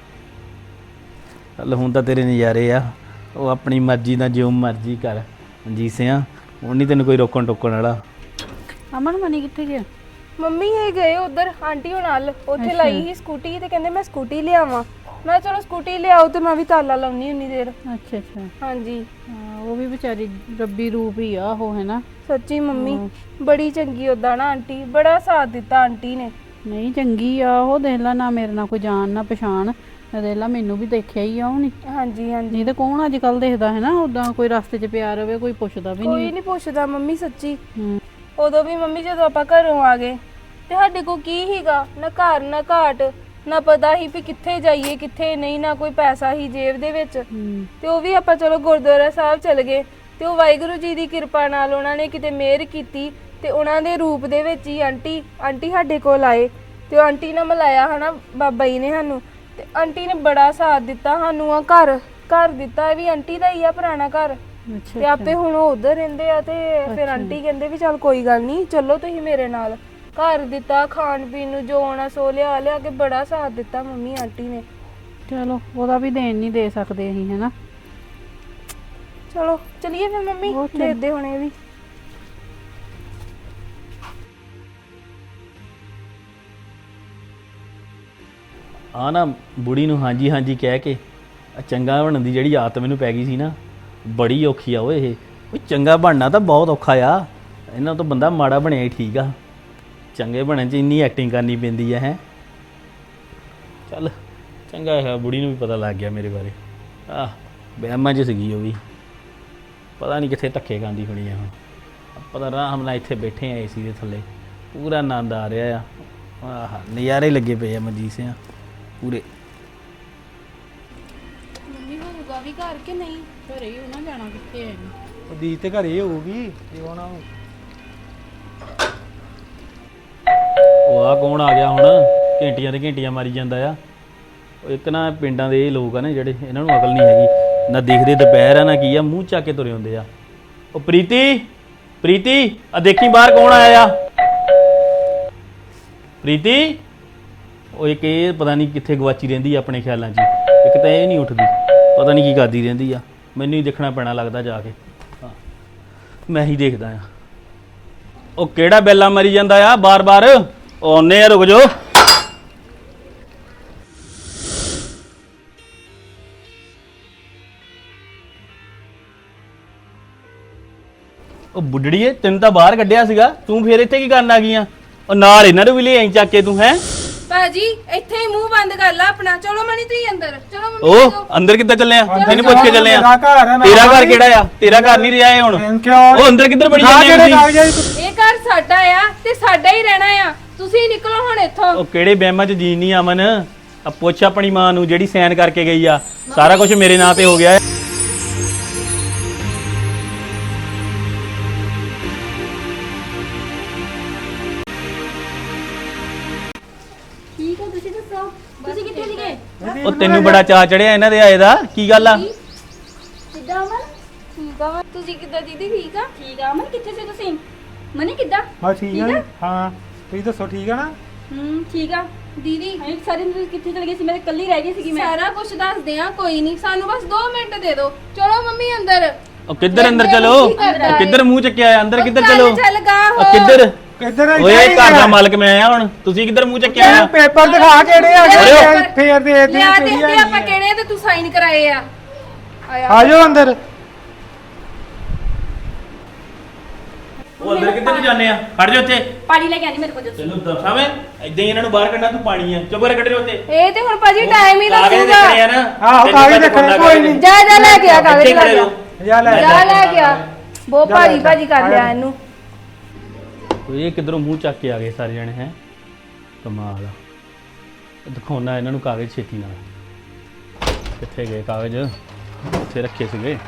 S5: ਚੱਲ ਹੁਣ ਤਾਂ ਤੇਰੇ ਨਜ਼ਾਰੇ ਆ, ਉਹ ਆਪਣੀ ਮਰਜ਼ੀ ਨਾਲ ਜਿਉਂ ਮਰਜ਼ੀ ਕਰ ਮਨਜੀਤ ਆ, ਹੁਣ ਨਹੀਂ ਤੈਨੂੰ ਕੋਈ ਰੋਕਣ ਟੋਕਣ ਵਾਲਾ।
S1: ਅਮਨ ਮਨੀ ਕਿੱਥੇ ਗਿਆ?
S2: ਮੰਮੀ ਇਹ ਗਏ ਉਧਰ ਆਂਟੀ ਹੁਣਾਂ ਨਾਲ, ਉੱਥੇ ਲਾਈ ਸੀ ਸਕੂਟੀ ਤੇ ਕਹਿੰਦੇ ਮੈਂ ਸਕੂਟੀ ਲਿਆਵਾਂ। ਮੈਂ ਚਲੋ ਸਕੂਟੀ ਲਿਆਓ ਤੇ ਮੈਂ ਵੀ ਤਾਲਾ ਲਾਉਣੀ ਹੁੰਨੀ ਦੇਰ।
S1: ਅੱਛਾ ਅੱਛਾ,
S2: ਹਾਂਜੀ
S1: ਹਾਂ ਉਹ ਵੀ ਵਿਚਾਰੀ ਰੱਬੀ ਰੂਪ ਹੀ ਆ ਉਹ, ਹੈ ਨਾ।
S2: ਸੱਚੀ ਮੰਮੀ ਬੜੀ ਚੰਗੀ ਉਦਾਂ ਨਾ ਆਂਟੀ, ਬੜਾ ਸਾਥ ਦਿੱਤਾ ਆਂਟੀ ਨੇ।
S1: ਨਹੀਂ ਚੰਗੀ ਆ ਉਹ, ਦੇਖ ਲਾ ਨਾ ਮੇਰੇ ਨਾਲ ਕੋਈ ਜਾਣ ਨਾ ਪਛਾਣ, ਅਦੇਲਾ ਮੈਨੂੰ ਵੀ ਦੇਖਿਆ ਹੀ ਆ ਉਹਨੇ।
S2: ਹਾਂਜੀ ਹਾਂਜੀ
S1: ਨਹੀਂ ਤੇ ਕੌਣ ਅੱਜ ਕੱਲ ਦੇਖਦਾ ਹੈ ਨਾ, ਉਦਾਂ ਕੋਈ ਰਸਤੇ 'ਚ ਪਿਆ ਰਵੇ ਕੋਈ ਪੁੱਛਦਾ ਵੀ
S2: ਕੋਈ
S1: ਨਹੀਂ।
S2: ਨਹੀਂ ਪੁੱਛਦਾ ਮੰਮੀ ਸੱਚੀ।
S1: ਹੂੰ।
S2: ਉਦੋਂ ਵੀ ਮੰਮੀ ਜਦੋਂ ਆਪਾਂ ਘਰੋਂ ਆ ਗਏ ਤੇ ਸਾਡੇ ਕੋਲ ਕੀ ਹੀਗਾ, ਨਾ ਘਰ ਨਾ ਘਾਟ, ਨਾ ਪਤਾ ਹੀ ਵੀ ਕਿੱਥੇ ਜਾਈਏ ਕਿੱਥੇ ਨਹੀਂ, ਨਾ ਕੋਈ ਪੈਸਾ ਹੀ ਜੇਬ ਦੇ ਵਿੱਚ।
S1: ਹੂੰ।
S2: ਤੇ ਉਹ ਵੀ ਆਪਾਂ ਚਲੋ ਗੁਰਦੁਆਰਾ ਸਾਹਿਬ ਚਲ ਗਏ ਤੇ ਉਹ ਵਾਹਿਗੁਰੂ ਜੀ ਦੀ ਕਿਰਪਾ ਨਾਲ ਉਹਨਾਂ ਨੇ ਕਿਤੇ ਮਿਹਰ ਕੀਤੀ ਤੇ ਉਹਨਾਂ ਦੇ ਰੂਪ ਦੇ ਵਿੱਚ ਹੀ ਆਂਟੀ ਸਾਡੇ ਕੋਲ ਆਏ ਤੇ ਉਹ ਆਂਟੀ ਨਾਲ ਮਿਲਾਇਆ ਹਨਾ ਬਾਬਾ ਜੀ ਨੇ ਸਾਨੂੰ। ਤੇ ਆਂਟੀ ਨੇ ਬੜਾ ਸਾਥ ਦਿੱਤਾ ਸਾਨੂੰ, ਆ ਘਰ ਦਿੱਤਾ, ਇਹ ਵੀ ਆਂਟੀ ਦਾ ਹੀ ਆ ਪੁਰਾਣਾ ਘਰ।
S1: ਅੱਛਾ
S2: ਤੇ ਆਪੇ ਹੁਣ ਉਹ ਉਧਰ ਰਹਿੰਦੇ ਆ ਤੇ ਫਿਰ ਆਂਟੀ ਕਹਿੰਦੇ ਵੀ ਚੱਲ ਕੋਈ ਗੱਲ ਨਹੀਂ ਚੱਲੋ ਤੁਸੀਂ ਮੇਰੇ ਨਾਲ। ਘਰ ਦਿੱਤਾ, ਖਾਣ ਪੀਣ ਨੂੰ ਜੋ ਆਉਣਾ ਸੋ ਲਿਆ ਕੇ ਬੜਾ ਸਾਥ ਦਿੱਤਾ ਮੰਮੀ ਆਂਟੀ ਨੇ।
S1: ਚਲੋ ਉਹਦਾ ਵੀ ਦੇਣ ਨਹੀਂ ਦੇ ਸਕਦੇ ਅਸੀਂ, ਹੈ ਨਾ।
S2: ਚਲੋ ਚਲਿਏ ਫਿਰ ਮੰਮੀ,
S1: ਉਹ ਚੱਲ।
S2: ਦੇਖਦੇ ਹੁਣੇ ਵੀ।
S5: ਆ ਨਾ ਬੁੜੀ ਨੂੰ ਹਾਂਜੀ ਹਾਂਜੀ ਕਹਿ ਕੇ ਆ ਚੰਗਾ ਬਣਨ ਦੀ ਜਿਹੜੀ ਆਦਤ ਮੈਨੂੰ ਪੈ ਗਈ ਸੀ ਨਾ, ਬੜੀ ਔਖੀ ਆ ਓਏ ਇਹ। ਉਹ ਚੰਗਾ ਬਣਨਾ ਤਾਂ ਬਹੁਤ ਔਖਾ ਆ, ਇਹਨਾਂ ਤੋਂ ਬੰਦਾ ਮਾੜਾ ਬਣਿਆ ਹੀ ਠੀਕ ਆ। ਚੰਗੇ ਬਣਨ 'ਚ ਇੰਨੀ ਐਕਟਿੰਗ ਕਰਨੀ ਪੈਂਦੀ ਆ ਹੈ। ਚੱਲ ਚੰਗਾ ਹੈ, ਬੁੜੀ ਨੂੰ ਵੀ ਪਤਾ ਲੱਗ ਗਿਆ ਮੇਰੇ ਬਾਰੇ। ਆਹ ਵਹਿਮਾਂ 'ਚ ਸੀਗੀ ਉਹ ਵੀ, ਪਤਾ ਨਹੀਂ ਕਿੱਥੇ ਧੱਕੇ ਖਾਂਦੀ ਹੋਣੀ ਆ ਹੁਣ। ਪਤਾ ਆਰਾਮ ਨਾਲ ਇੱਥੇ ਬੈਠੇ ਆ ਏਸੀ ਦੇ ਥੱਲੇ, ਪੂਰਾ ਆਨੰਦ ਆ ਰਿਹਾ ਆ। ਆਹ ਨਜ਼ਾਰੇ ਲੱਗੇ ਪਏ ਆ ਮਨਜੀਤ ਸਿੰਘ ਪੂਰੇ।
S2: ਮੰਮੀ ਹੋਊਗਾ ਵੀ ਘਰ ਕਿ ਨਹੀਂ?
S1: ਘਰੇ ਹੀ ਉਹਨਾਂ ਜਾਣਾ ਕਿੱਥੇ ਹੈ।
S3: ਉਹ ਦੀ ਤੇ ਘਰੇ ਹੋਊਗੀ ਤੇ ਉਹ ਨਾ
S5: ਉਹ ਆ ਕੌਣ ਆ ਗਿਆ ਹੁਣ, ਘੰਟੀਆਂ ਤੇ ਘੰਟੀਆਂ ਮਾਰੀ ਜਾਂਦਾ ਆ। ਉਹ ਇੱਕ ਨਾ ਪਿੰਡਾਂ ਦੇ ਇਹ ਲੋਕ ਆ ਨਾ ਜਿਹੜੇ, ਇਹਨਾਂ ਨੂੰ ਅਕਲ ਨਹੀਂ ਹੈਗੀ, ਨਾ ਦੇਖਦੇ ਦੁਪਹਿਰ ਆ ਨਾ ਕੀ ਆ, ਮੂੰਹ ਚੱਕ ਕੇ ਤੁਰੇ ਹੁੰਦੇ ਆ। ਉਹ ਪ੍ਰੀਤੀ ਆ ਦੇਖੀ ਬਾਹਰ ਕੌਣ ਆਇਆ ਆ। ਪ੍ਰੀਤੀ, ਉਹ ਇੱਕ ਇਹ ਪਤਾ ਨਹੀਂ ਕਿੱਥੇ ਗਵਾਚੀ ਰਹਿੰਦੀ ਆ ਆਪਣੇ ਖਿਆਲਾਂ 'ਚ। ਇੱਕ ਤਾਂ ਇਹ ਨਹੀਂ ਉੱਠਦੀ, ਪਤਾ ਨਹੀਂ ਕੀ ਕਰਦੀ ਰਹਿੰਦੀ ਆ। ਮੈਨੂੰ ਹੀ ਦੇਖਣਾ ਪੈਣਾ ਲੱਗਦਾ ਜਾ ਕੇ। ਹਾਂ ਮੈਂ ਹੀ ਦੇਖਦਾ ਆ। ਉਹ ਕਿਹੜਾ ਬੈਲਾ ਮਰੀ ਜਾਂਦਾ ਆ ਬਾਰ-ਬਾਰ। ਉਹ ਆਉਂਦੇ ਆ, ਰੁਕ ਜਾਓ। ਉਹ ਬੁੱਢੜੀਏ, ਤੈਨੂੰ ਤਾਂ ਬਾਹਰ ਕੱਢਿਆ ਸੀਗਾ, ਤੂੰ ਫੇਰ ਇੱਥੇ ਕੀ ਕਰਨ ਆ ਗਈ ਆ? ਉਹ ਨਾਲ ਇਹਨਾਂ ਨੂੰ ਵੀ ਲੈ ਆਈ ਚੱਕ ਕੇ ਤੂੰ। ਹੈ
S2: ਭਾਜੀ ਇੱਥੇ ਹੀ ਮੂੰਹ ਬੰਦ ਕਰ ਲਾ ਆਪਣਾ। ਚਲੋ ਮਣੀ ਤੁਸੀਂ ਅੰਦਰ ਚਲੋ। ਮੰਮੀ
S5: ਉਹ ਅੰਦਰ ਕਿੱਦਾਂ ਚੱਲੇ ਆ? ਮੈਨੂੰ ਪੁੱਛ ਕੇ ਚੱਲੇ ਆ।
S3: ਮੇਰਾ ਘਰ ਹੈ, ਮੈਂ
S5: ਤੇਰਾ ਘਰ ਕਿਹੜਾ ਆ? ਤੇਰਾ ਘਰ ਨਹੀਂ ਰਿਹਾ ਇਹ ਹੁਣ।
S3: ਕਿਉਂ?
S5: ਉਹ ਅੰਦਰ ਕਿੱਧਰ ਬੜੀ
S3: ਨਾ
S5: ਜਾਂਦੇ
S3: ਜਿਹੜੇ
S5: ਹੋ
S3: ਕਾਗਜ਼ਾਂ
S2: ਇਹ ਘਰ ਸਾਡਾ ਆ ਤੇ ਸਾਡਾ ਹੀ ਰਹਿਣਾ ਆ। ਤੁਸੀਂ ਨਿਕਲੋ ਹੁਣ ਇੱਥੋਂ।
S5: ਉਹ ਕਿਹੜੇ ਬਹਿਮਾਂ 'ਚ ਜੀਣ ਨਹੀਂ ਅਮਨ। ਆ ਪੁੱਛ ਆਪਣੀ ਮਾਂ ਨੂੰ ਜਿਹੜੀ ਸਾਈਨ ਕਰਕੇ ਗਈ ਆ। ਸਾਰਾ ਕੁਝ ਮੇਰੇ ਨਾਂ ਤੇ ਹੋ ਗਿਆ ਹੈ।
S4: ਠੀਕ ਹੈ, ਤੁਸੀਂ ਦੱਸੋ ਤੁਸੀਂ ਕਿੱਥੇ ਸੀਗੇ?
S5: ਉਹ ਤੈਨੂੰ ਬੜਾ ਚਾਅ ਚੜਿਆ ਇਹਨਾਂ ਦੇ ਆਏ ਦਾ, ਕੀ ਗੱਲ ਆ?
S4: ਕਿੱਦਾਂ ਅਮਨ?
S2: ਠੀਕ ਆ ਤੁਸੀਂ ਕਿੱਦਾਂ ਦੀਦੀ? ਠੀਕ ਆ।
S4: ਠੀਕ ਆ ਅਮਨ, ਕਿੱਥੇ ਸੀ ਤੁਸੀਂ? ਮਨੀ ਕਿੱਦਾਂ?
S3: ਹਾਂ ਠੀਕ ਹੈ। ਹਾਂ ਤੁਸੀਂ ਦੱਸੋ ਠੀਕ ਹੈ ਨਾ?
S4: ਠੀਕ ਆ।
S2: ਦੀਦੀ
S4: ਇੱਕ ਸਾਰੇ ਦਿਨ ਤੁਸੀਂ ਕਿੱਥੇ ਚਲੇ ਗਏ ਸੀ? ਮੈਂ ਤਾਂ ਇਕੱਲੀ ਰਹਿ ਗਈ ਸੀਗੀ। ਮੈਂ
S2: ਸਾਰਾ ਕੁਝ ਦੱਸਦੇ ਆ, ਕੋਈ ਨਹੀਂ, ਸਾਨੂੰ ਬਸ 2 ਮਿੰਟ ਦੇ ਦਿਓ। ਚਲੋ ਮੰਮੀ ਅੰਦਰ।
S5: ਉਹ ਕਿੱਧਰ ਅੰਦਰ ਚਲੋ? ਉਹ ਕਿੱਧਰ ਮੂੰਹ ਚੱਕਿਆ ਆ? ਅੰਦਰ ਕਿੱਧਰ
S2: ਚੱਲ
S5: ਚਲੋ?
S2: ਚੱਲ ਗਾ
S5: ਉਹ
S2: ਹੋ।
S5: ਕਿੱਧਰ?
S3: ਕਿੱਧਰ
S5: ਓਏ ਇਹ ਘਰ ਦਾ ਮਾਲਕ ਮੈਂ ਆ ਹੁਣ, ਤੁਸੀਂ ਕਿੱਧਰ ਮੂੰਹ ਚੱਕਿਆ ਆ?
S3: ਪੇਪਰ ਦਿਖਾ ਕਿਹੜੇ ਆ
S2: ਲਿਆ
S3: ਗਏ
S2: ਪੇਪਰ।
S3: ਫੇਰ ਦੇ ਦੇ
S2: ਲਿਆ ਦੇਖਦੇ ਆਪਾਂ ਕਿਹੜੇ ਤੇ ਤੂੰ ਸਾਈਨ ਕਰਾਏ ਆ।
S3: ਆ ਜਾਓ ਅੰਦਰ।
S5: ਉਹ ਅੰਦਰ ਕਿੱਧਰ ਨੂੰ ਜਾਂਦੇ ਆ? ਖੜ ਜਾ ਉੱਥੇ।
S4: ਪਾਣੀ ਲੈ ਕੇ ਆਣੀ ਮੇਰੇ ਕੋਲ ਦੱਸੋ।
S5: ਤੈਨੂੰ ਦੱਸਾਂ ਮੈਂ, ਏਦਾਂ ਹੀ ਇਹਨਾਂ ਨੂੰ ਬਾਹਰ ਕੱਢਣਾ, ਤੂੰ ਪਾਣੀ ਆ। ਚੁੱਪ ਕਰਕੇ ਖੜੇ ਰਹੋ ਉੱਥੇ।
S2: ਇਹ ਤੇ ਹੁਣ ਭਾਜੀ ਟਾਈਮ ਹੀ
S5: ਕਾਗਜ਼
S2: ਦੱਸੂਗਾ।
S5: ਦੇਖਣੇ ਆ ਨਾ।
S3: ਆਹੋ,
S5: ਤੈਨੂੰ
S3: ਕਾਗਜ਼
S5: ਪਤਾ
S3: ਦੇਖਣੇ,
S5: ਬੰਦਾ
S3: ਕੋਈ
S5: ਕਾਗਜ਼
S3: ਨਹੀਂ।
S2: ਜਾ ਲੈ ਕੇ ਆ ਕਾਗਜ਼
S5: ਇੱਥੇ
S2: ਲੈ
S5: ਖੜੇ
S2: ਕੇ ਆ।
S5: ਰਹੋ।
S3: ਜਾ ਲੈ
S2: ਜਾ ਲੈ ਗਿਆ। ਬਹੁਤ
S3: ਜਾ
S2: ਭਾਰੀ
S3: ਲੈ
S2: ਭਾਜੀ ਕਰ
S3: ਆ
S2: ਲਿਆ
S3: ਜਾ।
S2: ਇਹਨੂੰ।
S5: ਇਹ ਕਿੱਧਰੋਂ ਮੂੰਹ ਚੱਕ ਕੇ ਆ ਗਏ ਸਾਰੇ ਜਣੇ? ਹੈ ਕਮਾਲ ਆ। ਦਿਖਾਉਣਾ ਇਹਨਾਂ ਨੂੰ ਕਾਗਜ਼ ਛੇਤੀ ਨਾਲ। ਕਿੱਥੇ ਗਏ ਕਾਗਜ਼? ਉੱਥੇ ਰੱਖੇ ਸੀਗੇ।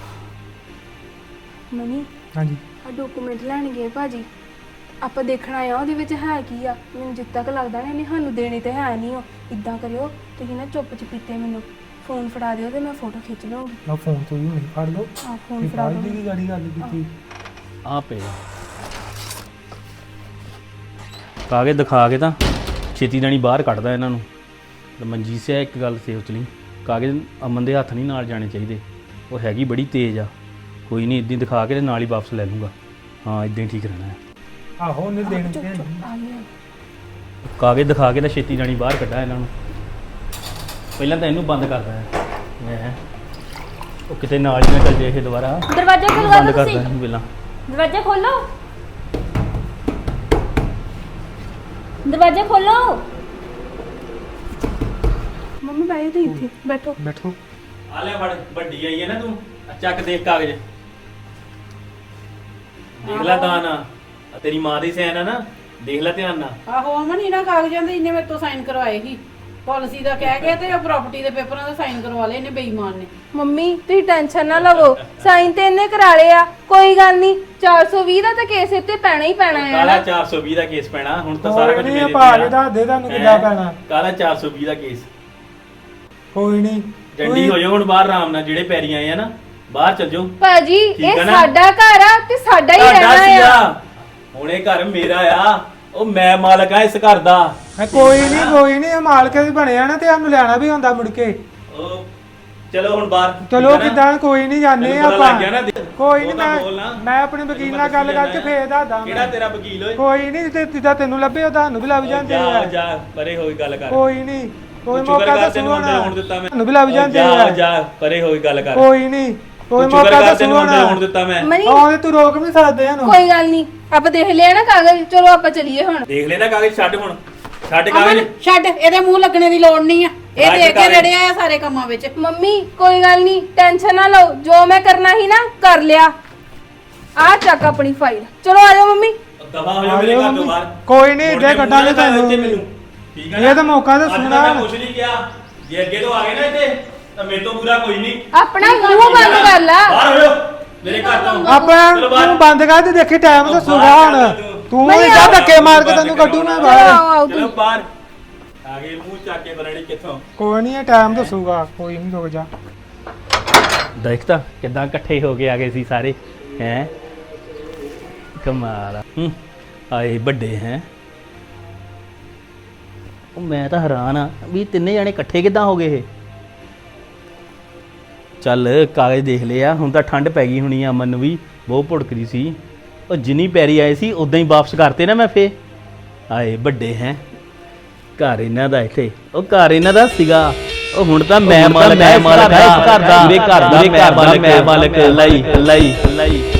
S2: ਮਨੀ
S3: ਹਾਂਜੀ
S2: ਆ ਡਾਕੂਮੈਂਟ ਲੈਣ ਗਏ ਭਾਜੀ, ਆਪਾਂ ਦੇਖਣਾ ਆ ਉਹਦੇ ਵਿੱਚ ਹੈ ਕੀ ਆ। ਮੈਨੂੰ ਜਿੱਦ ਤੱਕ ਲੱਗਦਾ ਨਾ ਇਹਨੇ ਸਾਨੂੰ ਦੇਣੇ ਤੇ ਹੈ ਨਹੀਂ। ਉਹ ਇਦਾਂ ਕਰਿਓ, ਤੁਸੀਂ ਨਾ ਚੁੱਪ ਚਪੀਤੇ ਮੈਨੂੰ ਫੋਨ ਫੜਾ ਦਿਓ ਤੇ ਮੈਂ ਫੋਟੋ ਖਿੱਚ ਲਵਾਂਗੀ।
S3: ਮੈਂ ਫੋਨ ਤੋਂ ਹੀ ਨਹੀਂ ਫੜ ਲਓ।
S2: ਆ ਫੋਨ ਫੜਾ ਦਿਓ।
S3: ਦੀ ਗਾੜੀ ਗੱਲ ਕੀਤੀ।
S5: ਆ ਪਏਗਾ ਕਾਗਜ਼ ਦਿਖਾ ਕੇ ਤਾਂ ਛੇਤੀ ਦੇਣੀ ਬਾਹਰ ਕੱਢਦਾ ਇਹਨਾਂ ਨੂੰ। ਤੇ ਮਨਜੀਤ ਸਿੰਘ ਇੱਕ ਗੱਲ ਸੋਚ ਲਈ, ਕਾਗਜ਼ ਅਮਨ ਦੇ ਹੱਥ ਨਹੀਂ ਨਾਲ ਜਾਣੇ ਚਾਹੀਦੇ। ਉਹ ਹੈਗੀ ਬੜੀ ਤੇਜ਼ ਆ। ਕੋਈ ਨਹੀਂ, ਇੱਦਾਂ ਦਿਖਾ ਕੇ ਤੇ ਨਾਲ ਹੀ ਵਾਪਸ ਲੈ ਲੂੰਗਾ। ਹਾਂ ਇੱਦਾਂ ਹੀ ਠੀਕ ਰਹਿਣਾ ਹੈ।
S3: ਆਹੋ ਉਹਨੇ ਦੇਣ ਤੇ
S2: ਆ ਗਿਆ।
S5: ਕਾਗਜ਼ ਦਿਖਾ ਕੇ ਤਾਂ ਛੇਤੀ ਜਾਣੀ ਬਾਹਰ ਕੱਢਾ ਇਹਨਾਂ ਨੂੰ। ਪਹਿਲਾਂ ਤਾਂ ਇਹਨੂੰ ਬੰਦ ਕਰਦਾ ਹੈ ਮੈਂ। ਉਹ ਕਿਤੇ ਨਾਲ ਹੀ ਨਾ ਚੱਲ ਜੇ ਇਹ ਦੁਬਾਰਾ।
S4: ਦਰਵਾਜ਼ਾ
S5: ਇਹਨੂੰ
S4: ਖੋਲਵਾ
S5: ਬੰਦ
S4: ਦਿਓ
S5: ਕਰਦਾ
S4: ਤੁਸੀਂ।
S5: ਇਹਨੂੰ ਪਹਿਲਾਂ।
S4: ਦਰਵਾਜ਼ਾ ਖੋਲੋ। ਦਰਵਾਜ਼ਾ ਖੋਲੋ।
S2: ਮੰਮੀ ਬੈਠੇ ਤੇ ਇੱਥੇ ਬੈਠੋ।
S3: ਬੈਠੋ।
S5: ਆ ਲੈ ਫੜ, ਵੱਡੀ ਆਈ ਹੈ ਨਾ ਤੂੰ, ਆ ਚੱਕ ਦੇਖ ਕਾਗਜ਼, ਦੇਖ ਲੈ ਤਾਂ ਨਾ, ਆ ਤੇਰੀ ਮਾਂ ਦੀ ਸੈਨ ਆ ਨਾ, ਦੇਖ ਲੈ ਧਿਆਨ ਨਾਲ।
S1: ਆਹੋ ਅਮਨ ਇਹਨਾਂ ਕਾਗਜ਼ਾਂ ਦੇ ਇਹਨੇ ਮੇਰੇ ਤੋਂ ਸਾਈਨ ਕਰਵਾਏ ਸੀ, ਪਾਲਿਸੀ ਦਾ ਕਹਿ ਕੇ ਤੇ ਪ੍ਰਾਪਰਟੀ ਦੇ ਪੇਪਰਾਂ ਦਾ ਸਾਈਨ ਕਰਵਾ ਲਏ ਇਹਨੇ ਬੇਈਮਾਨ ਨੇ।
S2: ਮੰਮੀ ਤੁਸੀਂ ਟੈਨਸ਼ਨ ਨਾ ਲਵੋ, ਸਾਈਨ ਤੇ ਇਹਨੇ ਕਰਾ ਲਏ ਆ, ਕੋਈ ਗੱਲ ਨਹੀਂ। 420 ਦਾ ਤਾਂ ਕੇਸ ਇੱਥੇ ਪੈਣਾ ਹੀ ਪੈਣਾ ਹੈ
S5: ਕਾਲਾ
S2: ਨਾ।
S5: 420 ਦਾ ਕੇਸ ਪੈਣਾ ਹੁਣ ਤਾਂ ਸਾਰਾ ਕੁਝ
S3: ਕੋਈ
S5: ਮੇਰੇ
S3: ਨਹੀਂ
S5: ਤੇ
S3: ਪਾ
S5: ਆ।
S3: ਕੇ ਦੱਸ ਦੇ ਤੁਹਾਨੂੰ ਕਿੱਦਾਂ ਪੈਣਾ।
S5: ਕਾਲਾ 420 ਦਾ ਕੇਸ।
S3: ਕੋਈ ਨਹੀਂ
S5: ਡੰਡੀ ਹੋ ਜਾਓ ਹੁਣ ਬਾਹਰ ਆਰਾਮ ਨਾਲ, ਜਿਹੜੇ ਪੈਰੀ ਆਏ ਆ ਨਾ ਬਾਹਰ ਚੱਲ ਜਾਓ।
S2: ਭਾਜੀ
S5: ਠੀਕ ਆ
S2: ਇਹ
S5: ਨਾ?
S2: ਸਾਡਾ ਘਰ ਆ ਤੇ ਸਾਡਾ ਹੀ
S5: ਤੁਹਾਡਾ
S2: ਰਹਿਣਾ ਆ।
S5: ਸੀਗਾ, ਹੁਣ ਇਹ ਘਰ ਮੇਰਾ ਆ, ਉਹ ਮੈਂ ਮਾਲਕ ਆ ਇਸ ਘਰ ਦਾ।
S3: ਕੋਈ ਨਹੀਂ ਇਹ ਮਾਲਕ ਵੀ ਬਣਿਆ ਨਾ ਤੇ ਸਾਨੂੰ ਲੈਣਾ ਵੀ ਹੁੰਦਾ ਮੁੜ ਕੇ।
S5: ਉਹ ਚਲੋ ਹੁਣ ਬਾਹਰ।
S3: ਚਲੋ
S5: ਠੀਕ ਆ ਨਾ?
S3: ਕਿਦਾਂ ਕੋਈ ਨਹੀਂ ਜਾਂਦੇ
S5: ਤੈਨੂੰ ਪਤਾ ਲੱਗ ਗਿਆ
S3: ਆਪਾਂ।
S5: ਨਾ?
S3: ਕੋਈ
S5: ਉਹ
S3: ਨਹੀਂ
S5: ਤਾਂ ਬੋਲ ਨਾ।
S3: ਮੈਂ ਆਪਣੇ ਵਕੀਲ ਨਾਲ ਗੱਲ ਕਰਕੇ ਫੇਰ ਦੱਸਦਾ।
S5: ਕਿਹੜਾ ਤੇਰਾ ਵਕੀਲ ਓਏ?
S3: ਕੋਈ ਨਹੀਂ ਤੇ ਜਿੱਦਾਂ ਤੈਨੂੰ ਲੱਭੇ ਉਹ ਤੁਹਾਨੂੰ ਵੀ ਲੱਭ ਜਾਂਦੇ
S5: ਜਾ
S3: ਆ।
S5: ਜਾ ਪਰੇ ਹੋਈ ਗੱਲ ਕਰ।
S3: ਕੋਈ ਨਹੀਂ ਕੋਈ
S5: ਤੂੰ ਸ਼ੁਕਰ
S3: ਮੌਕਾ
S5: ਕਰ
S3: ਤਾਂ
S5: ਤੈਨੂੰ
S3: ਸੁਣਾ
S5: ਹੁਣ ਦਿੱਤਾ ਮੈਂ।
S3: ਤੁਹਾਨੂੰ ਵੀ ਲੱਭ ਜਾਂਦੇ
S5: ਜਾ
S3: ਆ।
S5: ਜਾ ਪਰੇ ਹੋਈ ਗੱਲ ਕਰ।
S3: ਕੋਈ ਨਹੀਂ ਕੋਈ
S5: ਤੂੰ ਸ਼ੁਕਰ
S3: ਮੌਕਾ
S5: ਕਰ
S3: ਤਾਂ
S5: ਤੈਨੂੰ
S3: ਸੁਣਾ
S5: ਹੁਣ ਦਿੱਤਾ ਮੈਂ।
S2: ਮਨੀ
S3: ਆਉਂਦੇ ਤੂੰ ਰੋਕ ਨਹੀਂ ਸਕਦੇ ਇਹਨੂੰ।
S2: ਕੋਈ ਗੱਲ ਨਹੀਂ, ਆਪਾਂ ਦੇਖ ਲਿਆ ਨਾ ਕਾਗਜ਼, ਚਲੋ ਆਪਾਂ ਚੱਲੀਏ ਹੁਣ।
S5: ਦੇਖ ਲੈ ਨਾ ਕਾਗਜ਼, ਛੱਡ ਹੁਣ, ਛੱਡ ਕਾਗਜ਼।
S1: ਅਮਨ ਛੱਡ, ਇਹਦੇ ਮੂੰਹ ਲੱਗਣੇ ਦੀ ਲੋੜ ਨਹੀਂ ਆ, ਇਹ
S5: ਰਾਜ
S1: ਦੇ ਕੇ
S5: ਕਾਗਜ਼।
S1: ਰੜਿਆ ਆ ਸਾਰੇ ਕੰਮਾਂ ਵਿੱਚ।
S2: ਮੰਮੀ ਕੋਈ ਗੱਲ ਨਹੀਂ, ਟੈਨਸ਼ਨ ਨਾ ਲਓ, ਜੋ ਮੈਂ ਕਰਨਾ ਸੀ ਨਾ ਕਰ ਲਿਆ। ਆ ਚੱਕ ਆਪਣੀ ਫਾਈਲ, ਚਲੋ ਆ ਜਾਓ ਮੰਮੀ।
S5: ਦਫਾ ਹੋ ਜਾ ਮੇਰੇ ਘਰ ਤੋਂ ਬਾਹਰ।
S3: ਕੋਈ ਨਹੀਂ
S5: ਮੁੜ
S3: ਇੱਡੇ
S5: ਕੇ
S3: ਕੱਢਾਂਗੇ
S5: ਮੂੰਹ ਨਾ ਕਰ
S3: ਤੁਹਾਨੂੰ।
S5: ਇੱਥੇ ਮੈਨੂੰ, ਠੀਕ ਹੈ
S3: ਇਹ ਤਾਂ ਮੌਕਾ ਤਾਂ
S5: ਅੱਜ
S3: ਸੁਣਾ।
S5: ਮੈਂ ਕੁਛ ਨਹੀਂ ਕਿਹਾ, ਜੇ ਅੱਗੇ ਤੋਂ ਆ ਗਏ ਨਾ ਇੱਥੇ ਤਾਂ ਮੇਰੇ ਤੋਂ ਬੁਰਾ ਕੋਈ ਨਹੀਂ।
S2: ਆਪਣਾ ਮੂੰਹ ਬੰਦ ਕਰ ਲੈ।
S5: ਬਾਹਰ ਹੋ ਜਾਓ ਮੇਰੇ ਘਰ ਤੋਂ।
S3: ਆਪਾਂ
S5: ਚਲੋ ਬਾਹਰ।
S3: ਤੂੰ ਬੰਦ ਕਰ ਤੇ ਦੇਖੀ ਟਾਈਮ ਤਾਂ ਸੁਣਾ ਹੁਣ। ਤੂੰ
S2: ਮੈਂ
S3: ਇੱਦਾਂ
S2: ਆਓ।
S3: ਧੱਕੇ ਮਾਰ ਕੇ ਤੈਨੂੰ ਕੱਢੂ ਮੈਂ ਬਾਹਰ।
S2: ਆਓ ਆਓ
S5: ਚਲੋ
S2: ਤੂੰ।
S5: ਬਾਹਰ ਆ ਗਏ, ਮੂੰਹ ਚੱਕ ਕੇ ਬਰੜੀ ਕਿੱਥੋਂ।
S3: ਕੋਈ ਨਹੀਂ ਇਹ ਟਾਈਮ ਦੱਸੂਗਾ, ਕੋਈ ਨਹੀਂ ਰੁਕ ਜਾ।
S5: ਦੇਖਤਾ ਕਿਦਾਂ ਇਕੱਠੇ ਹੋ ਕੇ ਆ ਗਏ ਸੀ ਸਾਰੇ, ਹੈ ਕਮਾਲ ਆ। ਆਏ ਵੱਡੇ ਹੈ। ਉਹ ਮੈਂ ਤਾਂ ਹੈਰਾਨ ਆ ਵੀ ਤਿੰਨੇ ਜਾਣੇ ਇਕੱਠੇ ਕਿਦਾਂ ਹੋ ਗਏ ਇਹ। ਚੱਲ ਕਾਗਜ਼ ਦੇਖ ਲਿਆ, ਹੁਣ ਤਾਂ ਠੰਡ ਪੈ ਗਈ ਹੋਣੀ ਆ, ਅਮਨ ਨੂੰ ਵੀ ਬਹੁਤ ਭੁੜਕਦੀ ਸੀ। ਉਹ ਜਿੰਨੀ ਪੈਰੀ ਆਏ ਸੀ ਉਦਾਂ ਹੀ ਵਾਪਸ ਕਰਤੇ ਨਾ ਮੈਂ ਫੇ। ਆਏ ਵੱਡੇ ਹੈ, ਘਰ ਇਹਨਾਂ ਦਾ ਇੱਥੇ, ਉਹ ਘਰ ਇਹਨਾਂ ਦਾ ਸੀਗਾ, ਉਹ ਹੁਣ ਤਾਂ ਮੈਂ ਮਾਲਕ, ਮੈਂ ਮਾਲਕ ਇਸ ਘਰ ਦਾ, ਮੇਰੇ ਘਰ ਦਾ ਮੈਂ ਮਾਲਕ ਲਈ